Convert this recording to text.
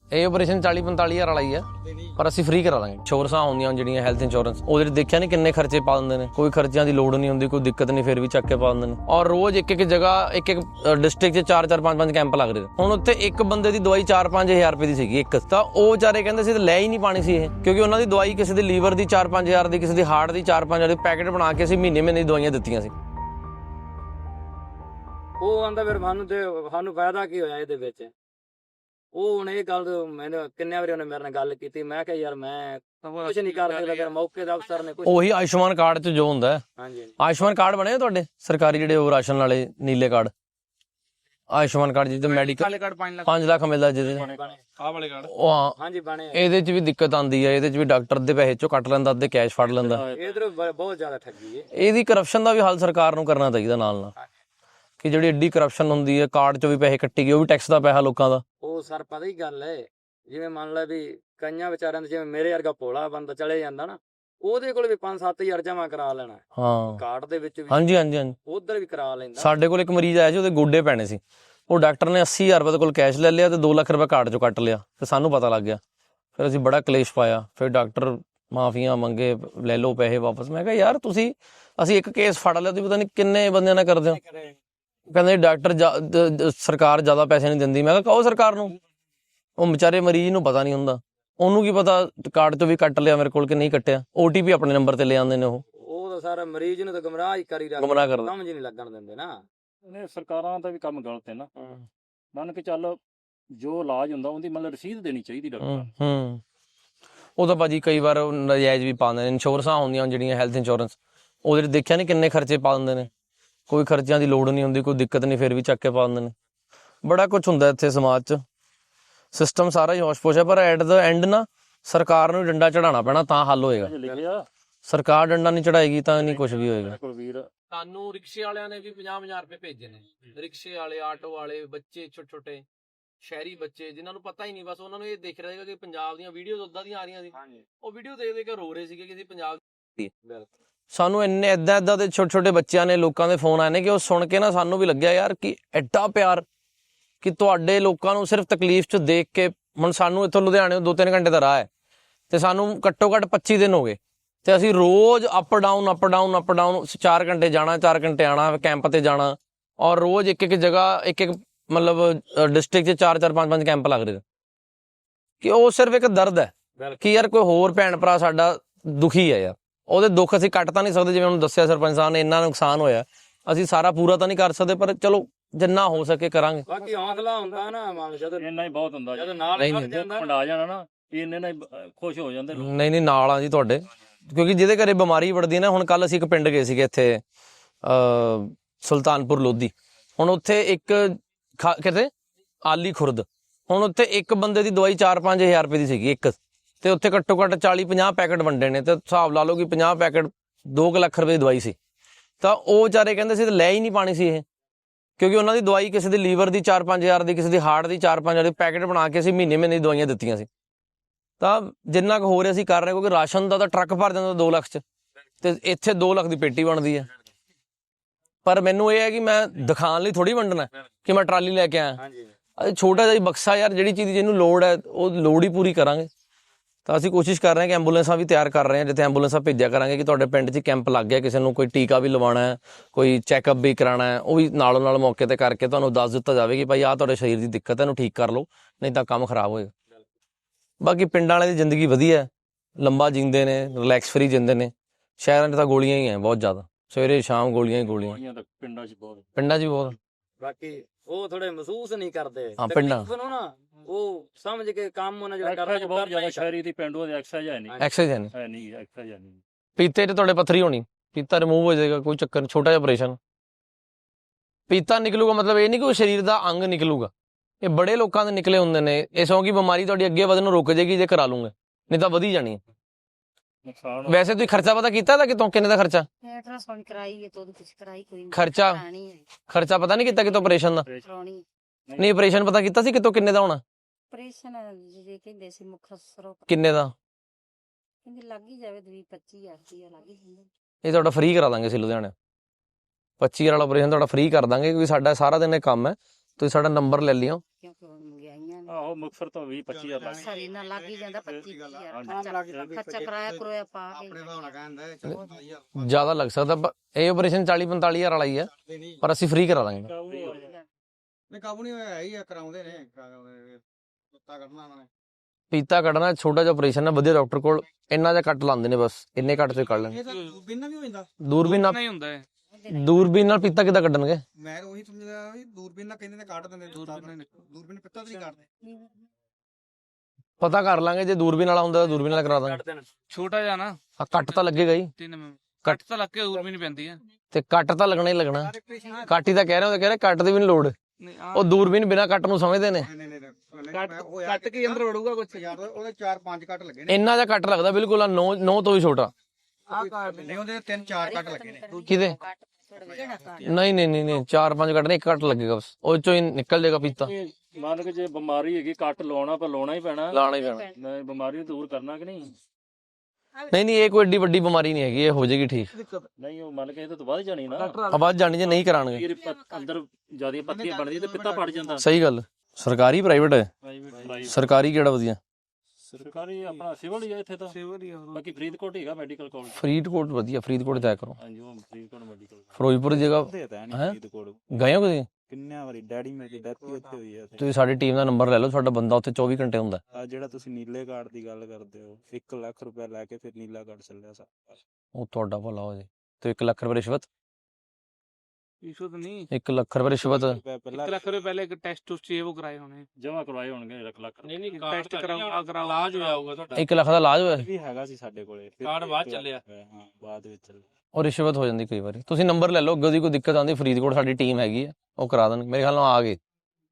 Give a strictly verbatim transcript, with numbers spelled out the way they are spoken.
ਇਹ ਆਪਰੇਸ਼ਨ ਚਾਲੀ ਪੰਤਾਲੀ ਹਜ਼ਾਰ ਵਾਲਾ ਹੀ ਆ, ਪਰ ਅਸੀਂ ਫ੍ਰੀ ਕਰਾ ਦਾਂਗੇ। ਇੰਸ਼ੋਰੈਂਸਾਂ ਹੁੰਦੀਆਂ ਜਿਹੜੀਆਂ ਹੈਲਥ ਇੰਸ਼ੋਰੈਂਸ, ਉਹਦੇ ਵਿੱਚ ਦੇਖਿਆ ਨਹੀਂ ਕਿੰਨੇ ਖਰਚੇ ਪਾ ਦਿੰਦੇ ਨੇ, ਕੋਈ ਖਰਚਿਆਂ ਦੀ ਲੋੜ ਨਹੀਂ ਹੁੰਦੀ, ਕੋਈ ਦਿੱਕਤ ਨਹੀਂ, ਫਿਰ ਵੀ ਚੱਕ ਕੇ ਪਾ ਦਿੰਦੇ ਨੇ। ਔਰ ਰੋਜ਼ ਇੱਕ ਇੱਕ ਜਗ੍ਹਾ ਇੱਕ ਇੱਕ ਡਿਸਟ੍ਰਿਕਟ 'ਚ ਚਾਰ ਚਾਰ ਪੰਜ ਪੰਜ ਕੈਂਪ ਲੱਗ ਰਹੇ। ਹੁਣ ਉੱਥੇ ਇੱਕ ਬੰਦੇ ਦੀ ਦਵਾਈ ਚਾਰ ਪੰਜ ਹਜ਼ਾਰ ਰੁਪਏ ਦੀ ਸੀਗੀ ਇੱਕ, ਤਾਂ ਉਹ ਵਿਚਾਰੇ ਕਹਿੰਦੇ ਸੀ ਲੈ ਹੀ ਨਹੀਂ ਪਾਣੀ ਸੀ ਇਹ, ਕਿਉਂਕਿ ਉਹਨਾਂ ਦੀ ਦਵਾਈ ਕਿਸੇ ਦੀ ਲੀਵਰ ਦੀ ਚਾਰ ਪੰਜ ਹਜ਼ਾਰ ਦੀ, ਕਿਸੇ ਦੀ ਹਾਰਟ ਦੀ ਚਾਰ ਪੰਜ ਹਜ਼ਾਰ ਦੀ ਪੈਕੇਟ ਬਣਾ ਕੇ ਅਸੀਂ ਮਹੀਨੇ ਮਹੀਨੇ ਦੀ ਦਵਾਈਆਂ ਦਿੱਤੀਆਂ ਸੀ। ਉਹ ਆਂਦਾ ਫਿਰ ਸਾਨੂੰ ਤੇ ਸਾਨੂੰ ਫਾਇਦਾ ਕੀ ਹੋਇਆ ਇਹਦੇ ਵਿੱਚ। ਉਹ ਹੁਣ ਇਹ ਗੱਲ ਮੈਨੂੰ ਕਿੰਨੇ ਵਾਰੀ ਉਹਨੇ ਮੇਰੇ ਨਾਲ ਗੱਲ ਕੀਤੀ, ਮੈਂ ਕਿਹਾ ਯਾਰ ਮੈਂ ਕੁਝ ਨਹੀਂ ਕਰ ਸਕਦਾ, ਫਿਰ ਮੌਕੇ ਦੇ ਅਫਸਰ ਨੇ ਕੁਝ। ਉਹੀ ਆਯੁਸ਼ਮਾਨ ਕਾਰਡ 'ਚ ਜੋ ਹੁੰਦਾ ਹੈ, ਹਾਂਜੀ ਆਯੁਸ਼ਮਾਨ ਕਾਰਡ ਬਣੇ ਤੁਹਾਡੇ ਸਰਕਾਰੀ ਜਿਹੜੇ ਉਹ ਰਾਸ਼ਨ ਵਾਲੇ ਨੀਲੇ ਕਾਰਡ, ਆਯੁਸ਼ਮਾਨ ਕਾਰਡ ਜਿਹਦੇ ਮੈਡੀਕਲ ਪੰਜ ਲੱਖ ਮਿਲਦਾ ਜਿਹਦੇ ਆਹ ਵਾਲੇ ਕਾਰਡ, ਉਹ ਹਾਂ ਹਾਂਜੀ ਬਣੇ। ਇਹਦੇ 'ਚ ਵੀ ਦਿੱਕਤ ਆਉਂਦੀ ਹੈ, ਇਹਦੇ 'ਚ ਵੀ ਡਾਕਟਰ ਦੇ ਪੈਸੇ ਚੋਂ ਕੱਟ ਲੈਂਦਾ, ਅੱਧੇ ਕੈਸ਼ ਫੜ ਲੈਂਦਾ। ਇਧਰ ਬਹੁਤ ਜ਼ਿਆਦਾ ਠੱਗੀ ਹੈ। ਇਹਦੀ ਕਰਪਸ਼ਨ ਦਾ ਵੀ ਹੱਲ ਸਰਕਾਰ ਨੂੰ ਕਰਨਾ ਚਾਹੀਦਾ ਨਾਲ ਨਾਲ, ਕਿ ਜਿਹੜੀ ਐਡੀ ਕਰਪਸ਼ਨ ਹੁੰਦੀ ਹੈ, ਕਾਰਡ 'ਚੋਂ ਵੀ ਪੈਸੇ ਕੱਟੀ ਗਏ, ਉਹ ਵੀ ਟੈਕਸ ਦਾ ਪੈਸਾ ਲੋਕਾਂ ਦਾ। ਉਹ ਸਰ ਪਤਾ ਹੀ ਗੱਲ ਹੈ, ਜਿਵੇਂ ਮੰਨ ਲੈ ਵੀ ਕਈਆਂ ਵਿਚਾਰਿਆਂ ਦੇ, ਜਿਵੇਂ ਮੇਰੇ ਵਰਗਾ ਭੋਲਾ ਬੰਦਾ ਚਲੇ ਜਾਂਦਾ ਨਾ, ਉਹਦੇ ਕੋਲ ਵੀ ਪੰਜ ਸੱਤ ਹਜ਼ਾਰ ਜਮਾ ਕਰਾ ਲੈਣਾ ਹਾਂ ਕਾਰਡ ਦੇ ਵਿੱਚ ਵੀ, ਹਾਂਜੀ ਹਾਂਜੀ ਹਾਂਜੀ ਉਧਰ ਵੀ ਕਰਾ ਲੈਂਦਾ। ਸਾਡੇ ਕੋਲ ਇੱਕ ਮਰੀਜ਼ ਆਇਆ ਸੀ, ਉਹਦੇ ਗੋਡੇ ਪੈਣੇ ਸੀ, ਉਹ ਡਾਕਟਰ ਨੇ ਅੱਸੀ ਹਜ਼ਾਰ ਰੁਪਏ ਦੇ ਕੋਲ ਕੈਸ਼ ਲੈ ਲਿਆ ਤੇ ਦੋ ਲੱਖ ਰੁਪਏ ਕਾਰਡ 'ਚੋਂ ਕੱਟ ਲਿਆ, ਤੇ ਸਾਨੂੰ ਪਤਾ ਲੱਗ ਗਿਆ। ਫਿਰ ਅਸੀਂ ਬੜਾ ਕਲੇਸ਼ ਪਾਇਆ, ਫਿਰ ਡਾਕਟਰ ਮਾਫੀਆਂ ਮੰਗੇ, ਲੈ ਲਓ ਪੈਸੇ ਵਾਪਸ। ਮੈਂ ਕਿਹਾ ਯਾਰ ਤੁਸੀਂ, ਅਸੀਂ ਇੱਕ ਕੇਸ ਫੜ ਲਿਆ, ਤੁਸੀਂ ਪਤਾ ਨਹੀਂ ਕਿੰਨੇ ਬੰਦਿਆਂ ਨਾਲ ਕਰਦੇ ਹੋ। ਕਹਿੰਦੇ ਡਾਕਟਰ ਸਰਕਾਰ ਜ਼ਿਆਦਾ ਪੈਸੇ ਨਹੀਂ ਦਿੰਦੀ। ਮੈਂ ਕਿਹਾ ਕਹੋ ਸਰਕਾਰ ਨੂੰ, ਉਹ ਵਿਚਾਰੇ ਮਰੀਜ਼ ਨੂੰ ਪਤਾ ਨਹੀਂ ਹੁੰਦਾ, ਉਹਨੂੰ ਕੀ ਪਤਾ ਕਾਰਡ 'ਚੋਂ ਵੀ ਕੱਟ ਲਿਆ ਮੇਰੇ ਕੋਲ ਕਿ ਨਹੀਂ ਕੱਟਿਆ। ਓ ਟੀ ਪੀ ਆਪਣੇ ਨੰਬਰ ਤੇ ਲੈ ਆਉਂਦੇ ਨੇ ਉਹ ਉਹ ਤਾਂ ਸਾਰਾ ਮਰੀਜ਼ ਨੂੰ ਤਾਂ ਗੁੰਮਰਾਹ ਹੀ ਕਰੀ ਰੱਖਦੇ, ਗੁੰਮਰਾਹ ਕਰਦੇ, ਸਮਝ ਨਹੀਂ ਲੱਗਣ ਦਿੰਦੇ ਨਾ। ਨੇ ਸਰਕਾਰਾਂ ਦਾ ਵੀ ਕੰਮ ਗਲਤ ਹੈ ਨਾ। ਮੰਨ ਕੇ ਚੱਲ ਜੋ ਇਲਾਜ ਹੁੰਦਾ ਉਹਦੀ ਮਤਲਬ ਰਸੀਦ ਦੇਣੀ ਚਾਹੀਦੀ ਡਾਕਟਰ ਨੂੰ। ਹੂੰ ਉਹ ਤਾਂ ਭਾਜੀ ਕਈ ਵਾਰ ਨਜਾਇਜ਼ ਵੀ ਪਾ ਦਿੰਦੇ ਨੇ। ਇੰਸ਼ੋਰੈਂਸਾਂ ਹੁੰਦੀਆਂ ਜਿਹੜੀਆਂ ਹੈਲਥ ਇੰਸ਼ੋਰੈਂਸ, ਉਹਦੇ ਵਿੱਚ ਦੇਖਿਆ ਨਹੀਂ ਕਿੰਨੇ ਖਰਚੇ ਪਾ ਦਿੰਦੇ ਨੇ, ਕੋਈ ਖਰਚਿਆਂ ਦੀ ਲੋੜ ਨਹੀਂ ਹੁੰਦੀ, ਕੋਈ ਦਿੱਕਤ ਨਹੀਂ, ਫਿਰ ਵੀ ਚੱਕ ਕੇ ਪਾ ਦਿੰਦੇ ਨੇ। ਬੜਾ ਕੁਛ ਹੁੰਦਾ ਇੱਥੇ ਸਮਾਜ 'ਚ, ਸਿਸਟਮ ਸਾਰਾ ਹੀ ਹੋਸ਼-ਪੋਸ਼ ਹੈ। ਪਰ ਐਟ ਦਾ ਐਂਡ ਨਾ ਸਰਕਾਰ ਨੂੰ ਡੰਡਾ ਚੜਾਉਣਾ ਪੈਣਾ, ਤਾਂ ਹੱਲ ਹੋਏਗਾ। ਸਰਕਾਰ ਡੰਡਾ ਨਹੀਂ ਚੜਾਏਗੀ ਤਾਂ ਨਹੀਂ ਕੁਝ ਵੀ ਹੋਏਗਾ। ਸਾਨੂੰ ਰਿਕਸ਼ੇ ਵਾਲਿਆਂ ਨੇ ਵੀ ਪੰਜਾਹ ਪੰਜਾਹ ਰੁਪਏ ਭੇਜੇ ਨੇ, ਰਿਕਸ਼ੇ ਵਾਲੇ, ਆਟੋ ਵਾਲੇ, ਬੱਚੇ ਛੋਟੇ ਛੋਟੇ ਸ਼ਹਿਰੀ ਬੱਚੇ, ਜਿਨ੍ਹਾਂ ਨੂੰ ਪਤਾ ਹੀ ਨਹੀਂ, ਬਸ ਉਹਨਾਂ ਨੂੰ ਇਹ ਦਿਖ ਰਿਹਾ ਕਿ ਪੰਜਾਬ ਦੀਆਂ ਵੀਡੀਓਜ਼ ਉਦਾਂ ਦੀਆਂ ਆ ਰਹੀਆਂ ਸੀ, ਉਹ ਵੀਡੀਓ ਦੇਖ ਦੇਖ ਕੇ ਰੋ ਰਹੇ ਸੀਗੇ ਕਿ ਅਸੀਂ ਪੰਜਾਬ ਦੀ। ਸਾਨੂੰ ਇੰਨੇ ਏਦਾਂ ਏਦਾਂ ਦੇ ਛੋਟੇ ਛੋਟੇ ਬੱਚਿਆਂ ਨੇ, ਲੋਕਾਂ ਦੇ ਫੋਨ ਆਏ ਨੇ, ਕਿ ਉਹ ਸੁਣ ਕੇ ਨਾ ਸਾਨੂੰ ਵੀ ਲੱਗਿਆ ਯਾਰ ਕਿ ਐਡਾ ਪਿਆਰ, ਕਿ ਤੁਹਾਡੇ ਲੋਕਾਂ ਨੂੰ ਸਿਰਫ ਤਕਲੀਫ 'ਚ ਦੇਖ ਕੇ। ਹੁਣ ਸਾਨੂੰ ਇੱਥੋਂ ਲੁਧਿਆਣੇ ਦੋ ਤਿੰਨ ਘੰਟੇ ਦਾ ਰਾਹ ਹੈ, ਤੇ ਸਾਨੂੰ ਘੱਟੋ ਘੱਟ ਪੱਚੀ ਦਿਨ ਹੋ ਗਏ, ਤੇ ਅਸੀਂ ਰੋਜ਼ up down up down up down ਚਾਰ ਘੰਟੇ ਜਾਣਾ, ਚਾਰ ਘੰਟੇ ਆਉਣਾ, ਕੈਂਪ ਤੇ ਜਾਣਾ, ਔਰ ਰੋਜ਼ ਇੱਕ ਇੱਕ ਜਗ੍ਹਾ ਇੱਕ ਇੱਕ ਮਤਲਬ ਡਿਸਟ੍ਰਿਕਟ 'ਚ ਚਾਰ ਚਾਰ ਪੰਜ ਪੰਜ ਕੈਂਪ ਲੱਗ ਰਹੇ, ਕਿ ਉਹ ਸਿਰਫ ਇੱਕ ਦਰਦ ਹੈ ਕਿ ਯਾਰ ਕੋਈ ਹੋਰ ਭੈਣ ਭਰਾ ਸਾਡਾ ਦੁਖੀ ਹੈ ਯਾਰ, ਉਹਦੇ ਦੁੱਖ ਅਸੀਂ ਕੱਟ ਤਾਂ ਨਹੀਂ ਸਕਦੇ। ਜਿਵੇਂ ਉਹਨੂੰ ਦੱਸਿਆ ਸਰਪੰਚ ਸਾਹਿਬ ਨੇ, ਇੰਨਾ ਨੁਕਸਾਨ ਹੋਇਆ, ਅਸੀਂ ਸਾਰਾ ਪੂਰਾ ਤਾਂ ਨਹੀਂ ਕਰ ਸਕਦੇ, ਪਰ ਚਲੋ ਜਿੰਨਾ ਹੋ ਸਕੇ ਕਰਾਂਗੇ। ਬਾਕੀ ਹੌਸਲਾ ਹੁੰਦਾ ਨਾ, ਮੰਨ ਜਦੋਂ ਇੰਨਾ ਹੀ ਬਹੁਤ ਹੁੰਦਾ, ਜਦੋਂ ਨਾਲ ਖੜ ਜਾਂਦਾ ਫੰਡਾ ਜਾਣਾ ਨਾ, ਇੰਨੇ ਨਾਲ ਖੁਸ਼ ਹੋ ਜਾਂਦੇ। ਨਹੀਂ ਨਹੀਂ ਨਾਲ ਆ ਜੀ ਤੁਹਾਡੇ, ਕਿਉਂਕਿ ਜਿਹਦੇ ਘਰੇ ਬਿਮਾਰੀ ਵੜਦੀ ਨਾ। ਹੁਣ ਕੱਲ ਅਸੀਂ ਇੱਕ ਪਿੰਡ ਗਏ ਸੀਗੇ ਇੱਥੇ, ਅਹ ਸੁਲਤਾਨਪੁਰ ਲੋਧੀ, ਹੁਣ ਉੱਥੇ ਇੱਕ ਕਿਤੇ ਆਲੀ ਖੁਰਦ, ਹੁਣ ਉੱਥੇ ਇੱਕ ਬੰਦੇ ਦੀ ਦਵਾਈ ਚਾਰ ਪੰਜ ਹਜ਼ਾਰ ਰੁਪਏ ਦੀ ਸੀਗੀ ਇੱਕ, ਤੇ ਉੱਥੇ ਘੱਟੋ ਘੱਟ ਚਾਲੀ ਪੰਜਾਹ ਪੈਕਟ ਵੰਡੇ ਨੇ, ਤੇ ਹਿਸਾਬ ਲਾ ਲਓ ਕਿ ਪੰਜਾਹ ਪੈਕਟ ਦੋ ਕੁ ਲੱਖ ਰੁਪਏ ਦੀ ਦਵਾਈ ਸੀ। ਤਾਂ ਉਹ ਵਿਚਾਰੇ ਕਹਿੰਦੇ ਸੀ ਲੈ ਹੀ ਨਹੀਂ ਪਾਣੀ ਸੀ ਇਹ, ਕਿਉਂਕਿ ਉਹਨਾਂ ਦੀ ਦਵਾਈ ਕਿਸੇ ਦੀ ਲੀਵਰ ਦੀ ਚਾਰ ਪੰਜ ਹਜ਼ਾਰ ਦੀ, ਕਿਸੇ ਦੀ ਹਾਰਟ ਦੀ ਚਾਰ ਪੰਜ ਹਜ਼ਾਰ ਦੀ ਪੈਕੇਟ ਬਣਾ ਕੇ ਅਸੀਂ ਮਹੀਨੇ ਮਹੀਨੇ ਦੀ ਦਵਾਈਆਂ ਦਿੱਤੀਆਂ ਸੀ। ਤਾਂ ਜਿੰਨਾ ਕੁ ਹੋ ਰਿਹਾ ਅਸੀਂ ਕਰ ਰਹੇ, ਕਿਉਂਕਿ ਰਾਸ਼ਨ ਦਾ ਤਾਂ ਟਰੱਕ ਭਰ ਜਾਂਦਾ ਦੋ ਲੱਖ 'ਚ, ਤੇ ਇੱਥੇ ਦੋ ਲੱਖ ਦੀ ਪੇਟੀ ਬਣਦੀ ਹੈ। ਪਰ ਮੈਨੂੰ ਇਹ ਹੈ ਕਿ ਮੈਂ ਦਿਖਾਉਣ ਲਈ ਥੋੜ੍ਹੀ ਵੰਡਣਾ ਕਿ ਮੈਂ ਟਰਾਲੀ ਲੈ ਕੇ ਆਇਆ, ਛੋਟਾ ਜਿਹਾ ਬਕਸਾ ਯਾਰ, ਜਿਹੜੀ ਚੀਜ਼ ਜਿਹਨੂੰ ਲੋੜ ਹੈ ਉਹ ਲੋੜ ਹੀ ਪੂਰੀ ਕਰਾਂਗੇ। ਤਾਂ ਅਸੀਂ ਕੋਸ਼ਿਸ਼ ਕਰ ਰਹੇ ਹਾਂ ਕਿ ਐਂਬੂਲੈਂਸਾਂ ਵੀ ਤਿਆਰ ਕਰ ਰਹੇ ਹਾਂ, ਜਿੱਥੇ ਐਂਬੂਲੈਂਸਾਂ ਭੇਜਿਆ ਕਰਾਂਗੇ ਕਿ ਤੁਹਾਡੇ ਪਿੰਡ 'ਚ ਕੈਂਪ ਲੱਗ ਗਿਆ, ਕਿਸੇ ਨੂੰ ਕੋਈ ਟੀਕਾ ਵੀ ਲਵਾਉਣਾ ਹੈ, ਕੋਈ ਚੈੱਕਅਪ ਵੀ ਕਰਾਉਣਾ ਹੈ, ਉਹ ਵੀ ਨਾਲੋਂ ਨਾਲ ਮੌਕੇ 'ਤੇ ਕਰਕੇ ਤੁਹਾਨੂੰ ਦੱਸ ਦਿੱਤਾ ਜਾਵੇ ਕਿ ਭਾਈ ਆਹ ਤੁਹਾਡੇ ਸਰੀਰ ਦੀ ਦਿੱਕਤ ਹੈ, ਇਹਨੂੰ ਠੀਕ ਕਰ ਲਓ, ਨਹੀਂ ਤਾਂ ਕੰਮ ਖਰਾਬ ਹੋਏਗਾ। ਬਾਕੀ ਪਿੰਡਾਂ ਵਾਲਿਆਂ ਦੀ ਜ਼ਿੰਦਗੀ ਵਧੀਆ, ਲੰਬਾ ਜੀਂਦੇ ਨੇ, ਰਿਲੈਕਸ ਫਰੀ ਜਿੰਦੇ ਨੇ। ਸ਼ਹਿਰਾਂ 'ਚ ਤਾਂ ਗੋਲੀਆਂ ਹੀ ਹੈ ਬਹੁਤ ਜ਼ਿਆਦਾ, ਸਵੇਰੇ ਸ਼ਾਮ ਗੋਲੀਆਂ ਹੀ ਗੋਲੀਆਂ। ਪਿੰਡਾਂ 'ਚ ਬਹੁਤ ਪਿੰਡਾਂ 'ਚ ਵੀ ਬਹੁਤ, ਬਾਕੀ ਉਹ ਥੋੜੇ ਮਹਿਸੂਸ ਨਹੀਂ ਕਰਦੇ ਹਾਂ ਪਿੰਡਾਂ ਨਾ, ਉਹ ਸਮਝ ਕੇ ਕੰਮ ਉਹਨਾਂ ਜਿਹੜਾ ਕਰਦਾ ਬਹੁਤ ਜ਼ਿਆਦਾ। ਸ਼ਹਿਰੀ ਦੀ ਪਿੰਡੋਂ ਦੀ ਐਕਸਰਸਾਈਜ਼ ਹੈ ਨਹੀਂ, ਐਕਸਰਸਾਈਜ਼ ਹੈ ਨਹੀਂ, ਹੈ ਨਹੀਂ ਐਕਸਰਸਾਈਜ਼ ਹੈ ਨਹੀਂ। ਪੀਤੇ 'ਚ ਤੁਹਾਡੇ ਪੱਥਰੀ ਹੋਣੀ, ਪੀਤਾ ਰਿਮੂਵ ਹੋ ਜਾਏਗਾ, ਕੋਈ ਚੱਕਰ, ਛੋਟਾ ਜਿਹਾ ਆਪਰੇਸ਼ਨ, ਪੀਤਾ ਨਿਕਲੂਗਾ, ਮਤਲਬ ਇਹ ਨਹੀਂ ਕੋਈ ਸਰੀਰ ਦਾ ਅੰਗ ਨਿਕਲੂਗਾ। ਇਹ ਬੜੇ ਲੋਕਾਂ ਦੇ ਨਿਕਲੇ ਹੁੰਦੇ ਨੇ। ਇਹ ਸੌਂ ਕਿ ਬਿਮਾਰੀ ਤੁਹਾਡੀ ਅੱਗੇ ਵਧਣ ਨੂੰ ਰੁਕ ਜਾਏਗੀ ਜੇ ਕਰਾ ਲੂੰਗੇ, ਨਹੀਂ ਤਾਂ ਵਧੀ ਜਾਣੀ ਹੈ। ਵੈਸੇ ਤੁਸੀਂ ਖਰਚਾ ਪਤਾ ਕੀਤਾ ਤਾਂ ਕਿਤੋਂ, ਕਿੰਨੇ ਦਾ ਖਰਚਾ? ਅਲਟਰਾਸਾਊਂਡ ਕਰਾਈ ਹੈ, ਤੋਂ ਕੁਝ ਕਰਾਈ ਕੋਈ ਨਹੀਂ। ਖਰਚਾ ਖਰਚਾ ਪਤਾ ਨਹੀਂ ਕੀਤਾ ਕਿਤੋਂ ਆਪਰੇਸ਼ਨ ਦਾ? ਕਰਾਉਣੀ ਨਹੀਂ ਆਪਰੇਸ਼ਨ ਪਤਾ ਕੀਤਾ ਸੀ ਕਿਤੋਂ, ਕਿੰਨੇ ਦਾ ਹੋਣਾ ਆਪਰੇਸ਼ਨ? ਜੇ ਕਹਿੰਦੇ ਸੀ ਮੁਖਸਰੋਂ ਕਿੰਨੇ ਦਾ ਕਹਿੰਦੇ ਲੱਗ ਹੀ ਜਾਵੇ, ਵੀਹ ਪੱਚੀ ਹਜ਼ਾਰ ਰੁਪਇਆ ਲੱਗ ਹੀ ਜਾਂਦਾ। ਇਹ ਤੁਹਾਡਾ ਫ੍ਰੀ ਕਰਾ ਦਾਂਗੇ ਅਸੀਂ ਲੁਧਿਆਣੇ, ਪੱਚੀ ਹਜ਼ਾਰ ਵਾਲਾ ਆਪਰੇਸ਼ਨ ਤੁਹਾਡਾ ਫ੍ਰੀ ਕਰ ਦਾਂਗੇ, ਕਿਉਂਕਿ ਸਾਡਾ ਸਾਰਾ ਦਿਨ ਇਹ ਕੰਮ ਹੈ। ਤੁਸੀਂ ਸਾਡਾ ਨੰਬਰ ਲੈ ਲਿਓ। ਕਿਉਂਕਿ ਹੁਣ ਮਹਿੰਗਾਈਆਂ ਨੇ ਆਹੋ ਮੁਕਤਸਰ ਤੋਂ ਵੀਹ ਪੱਚੀ ਹਜ਼ਾਰ ਲੱਗ ਸਰੀ ਨਾਲ ਲੱਗ ਹੀ ਜਾਂਦਾ ਪੱਚੀ ਹਜ਼ਾਰ ਹਾਂਜੀ। ਖਰਚਾ ਖਰਚਾ ਕਰਾਇਆ ਕਰੋਇਆ ਪਾ ਕੇ ਜ਼ਿਆਦਾ ਲੱਗ ਸਕਦਾ ਪਰ ਇਹ ਆਪਰੇਸ਼ਨ ਚਾਲੀ ਪੰਤਾਲੀ ਹਜ਼ਾਰ ਵਾਲਾ ਹੀ ਹੈ, ਪਰ ਅਸੀਂ ਫ੍ਰੀ ਕਰਾ ਦਾਂਗੇ। ਨਹੀਂ ਕਾਬੂ ਨਹੀਂ ਹੋਇਆ ਹੀ ਆ, ਕਰਾਉਂਦੇ ਨੇ ਕੁੱਤਾ ਕੱਢਣਾ ਉਹਨਾਂ ਨੇ। ਪੀਤਾ ਕੱਢਣਾ ਛੋਟਾ ਜਿਹਾ ਆਪਰੇਸ਼ਨ ਹੈ, ਵਧੀਆ ਡਾਕਟਰ ਕੋਲ ਇੰਨਾ ਜਿਹਾ ਕੱਟ ਲਾਉਂਦੇ ਨੇ, ਬਸ ਇੰਨੇ ਕੱਟ ਤੇ ਕੱਢ ਲੈਣਗੇ। ਇਹ ਤਾਂ ਦੂਰਬੀਨ ਨਾਲ ਵੀ ਹੋ ਜਾਂਦਾ। ਦੂਰਬੀਨ ਨਾਲ ਨਹੀਂ ਹੁੰਦਾ ਹੈ ਦੂਰਬੀਨ ਨਾਲ ਪੀਤਾ ਕਿੱਦਾਂ ਕੱਢਣਗੇ? ਮੈਂ ਤਾਂ ਉਹੀ ਸਮਝਦਾ ਵੀ ਦੂਰਬੀਨ ਨਾਲ ਕਹਿੰਦੇ ਨੇ ਕੱਢ ਦਿੰਦੇ ਨੇ। ਦੂਰਬੀਨ ਪਿੱਤਾ ਤੇ ਨਹੀਂ ਕੱਢਦੇ। ਪਤਾ ਕਰ ਲਾਂਗੇ, ਜੇ ਦੂਰਬੀਨ ਵਾਲਾ ਹੁੰਦਾ ਤਾਂ ਦੂਰਬੀਨ ਨਾਲ ਕਰਾ ਦਾਂਗੇ। ਕੱਢ ਦੇਣ ਛੋਟਾ ਜਿਹਾ ਨਾ ਆ ਕੱਟ ਤਾਂ ਲੱਗੇਗਾ ਹੀ, ਤਿੰਨ mm ਕੱਟ ਤਾਂ ਲੱਗ ਕੇ ਦੂਰ ਵੀ ਨਹੀਂ ਪੈਂਦੀ ਹੈ ਤੇ ਕੱਟ ਤਾਂ ਲੱਗਣਾ ਹੀ ਲੱਗਣਾ। ਕੱਟ ਹੀ ਤਾਂ ਕਹਿ ਰਹੇ ਹੋ, ਕਹਿ ਰਹੇ ਕੱਟ ਦੀ ਵੀ ਨਹੀਂ ਲੋੜ, ਨਹੀਂ ਆਹ ਉਹ ਦੂਰਬੀਨ ਬਿਨਾਂ ਕੱਟ ਨੂੰ ਸਮਝਦੇ ਨੇ। ਨਹੀਂ ਨਹੀਂ ਨਹੀਂ ਕੱਟ ਮੈਂ ਹੋਇਆ ਕੱਟ ਕੇ ਅੰਦਰ ਵੜੂਗਾ ਕੁਛ ਯਾਰ ਉਹਦੇ ਚਾਰ ਪੰਜ ਕੱਟ ਲੱਗੇ ਨੇ। ਇੰਨਾ ਜਿਹਾ ਕੱਟ ਲੱਗਦਾ ਬਿਲਕੁਲ, ਨੌ ਨੌ ਤੋਂ ਵੀ ਛੋਟਾ। ਆਹ ਕਾਟ ਨਹੀਂ ਉਹਦੇ ਤਿੰਨ ਚਾਰ ਕੱਟ ਲੱਗੇ ਨੇ। ਕਿਹਦੇ? ਨਹੀਂ ਨਹੀਂ ਨਹੀਂ ਨਹੀਂ ਚਾਰ ਪੰਜ ਕੱਟ ਨਹੀਂ, ਇੱਕ ਕੱਟ ਲੱਗੇਗਾ ਬਸ, ਉਹ ਚੋਂ ਹੀ ਨਿਕਲ ਜਾਏਗਾ ਪੀਤਾ। ਮੰਨ ਕੇ ਜੇ ਬਿਮਾਰੀ ਹੈਗੀ ਕੱਟ ਲਾਉਣਾ ਪਰ ਲਾਉਣਾ ਹੀ ਪੈਣਾ। ਲਾਣਾ ਹੀ ਪੈਣਾ। ਨਹੀਂ ਬਿਮਾਰੀ ਨੂੰ ਦੂਰ ਕਰਨਾ ਕਿ ਨਹੀਂ? ਨਹੀਂ ਨਹੀਂ ਇਹ ਕੋਈ ਏਡੀ ਵੱਡੀ ਬਿਮਾਰੀ ਨਹੀਂ ਹੈਗੀ, ਇਹ ਹੋ ਜਾਏਗੀ ਠੀਕ। ਨਹੀਂ ਉਹ ਮੰਨ ਕੇ ਇਹ ਤਾਂ ਵੱਧ ਜਾਣੀ ਨਾ। ਆਵਾਜ਼ ਜਾਣੀ ਜੇ ਨਹੀਂ ਕਰਾਣਗੇ। ਫਿਰ ਪ- ਅੰਦਰ ਜਿਆਦਾ ਪੱਤੀਆਂ ਬਣਦੀ ਤੇ ਪਿੱਤਾ ਫੜ ਜਾਂਦਾ। ਸਹੀ ਗੱਲ। ਸਰਕਾਰੀ ਪ੍ਰਾਈਵੇਟ ਹੈ? ਪ੍ਰਾਈਵੇਟ ਸਰਕਾਰੀ ਕਿਹੜਾ ਵਧੀਆ? ਸਰਕਾਰੀ ਆਪਣਾ ਸਿਵਲ ਹੀ ਆ ਇੱਥੇ ਤਾਂ। ਸਿਵਲ ਹੀ ਆ ਬਾਕੀ ਫਰੀਦਕੋਟ ਹੀਗਾ ਮੈਡੀਕਲ ਕਾਲਜ। ਫਰੀਦਕੋਟ ਵਧੀਆ, ਫਰੀਦਕੋਟ ਜਾਇਆ ਕਰੋ। ਹਾਂਜੀ ਉਹ ਫਰੀਦਕੋਟ ਮੈਡੀਕਲ। ਫਿਰੋਜ਼ਪੁਰ ਦੀ ਜਗ੍ਹਾ ਹੈਂ? ਗਏ ਹੋ ਤੁਸੀਂ? ਕਿੰਨਿਆਂ ਵਾਰੀ ਡੈਡੀ ਮੇਰੀ ਡੈਥ ਹੀ ਉੱਥੇ ਹੋਈ ਹੈ। ਤੁਸੀਂ ਸਾਡੀ ਟੀਮ ਦਾ ਨੰਬਰ ਲੈ ਲਓ, ਤੁਹਾਡਾ ਬੰਦਾ ਉੱਥੇ ਚੌਵੀ ਘੰਟੇ ਹੁੰਦਾ। ਆ ਜਿਹੜਾ ਤੁਸੀਂ ਨੀਲੇ ਕਾਰਡ ਦੀ ਗੱਲ ਕਰਦੇ ਹੋ, ਇੱਕ ਲੱਖ ਰੁਪਏ ਲੈ ਕੇ ਫਿਰ ਨੀਲਾ ਕਾਰਡ ਚੱਲਿਆ ਸਾ। ਉਹ ਤੁਹਾਡਾ ਭਲਾ ਹੋ ਜੇ। ਤੇ ਇੱਕ ਲੱਖ ਰੁਪਏ ਰਿਸ਼ਵਤ, ਇਸ਼ੂ ਤਾਂ ਨਹੀਂ ਇੱਕ ਲੱਖ ਰੁਪਏ ਰਿਸ਼ਵਤ। ਰੁਪਏ ਇੱਕ ਪਹਿਲਾਂ ਲੱਖ ਰੁਪਏ ਪਹਿਲੇ ਇੱਕ ਟੈਸਟ ਟੁਸਟ ਸੀ ਉਹ ਕਰਾਏ ਹੋਣੇ ਜਮਾ ਕਰਵਾਏ ਹੋਣਗੇ ਲੱਖ ਲੱਖ। ਨਹੀਂ ਨਹੀਂ ਟੈਸਟ ਕਰਾਉ ਕਰਾਉ ਇਲਾਜ ਹੋਇਆ ਹੋਊਗਾ ਤੁਹਾਡਾ ਇੱਕ ਲੱਖ ਦਾ ਇਲਾਜ ਹੋਇਆ, ਵੀ ਹੈਗਾ ਸੀ ਸਾਡੇ ਕੋਲੇ। ਫਿਰ ਕਾਰਡ ਬਾਅਦ ਇੱਕ ਲੱਖ ਚੱਲਿਆ। ਰੁਪਏ, ਹਾਂ ਬਾਅਦ ਵਿੱਚ ਚੱਲਿਆ। ਉਹ ਰਿਸ਼ਵਤ ਹੋ ਜਾਂਦੀ ਕਈ ਵਾਰੀ। ਤੁਸੀਂ ਨੰਬਰ ਲੈ ਲਓ, ਅੱਗੇ ਦੀ ਕੋਈ ਦਿੱਕਤ ਆਉਂਦੀ ਫਰੀਦਕੋਟ ਸਾਡੀ ਟੀਮ ਹੈਗੀ ਆ, ਉਹ ਕਰਾ ਦੇਣ। ਮੇਰੇ ਖਿਆਲ ਨਾਲ ਆ ਗਏ।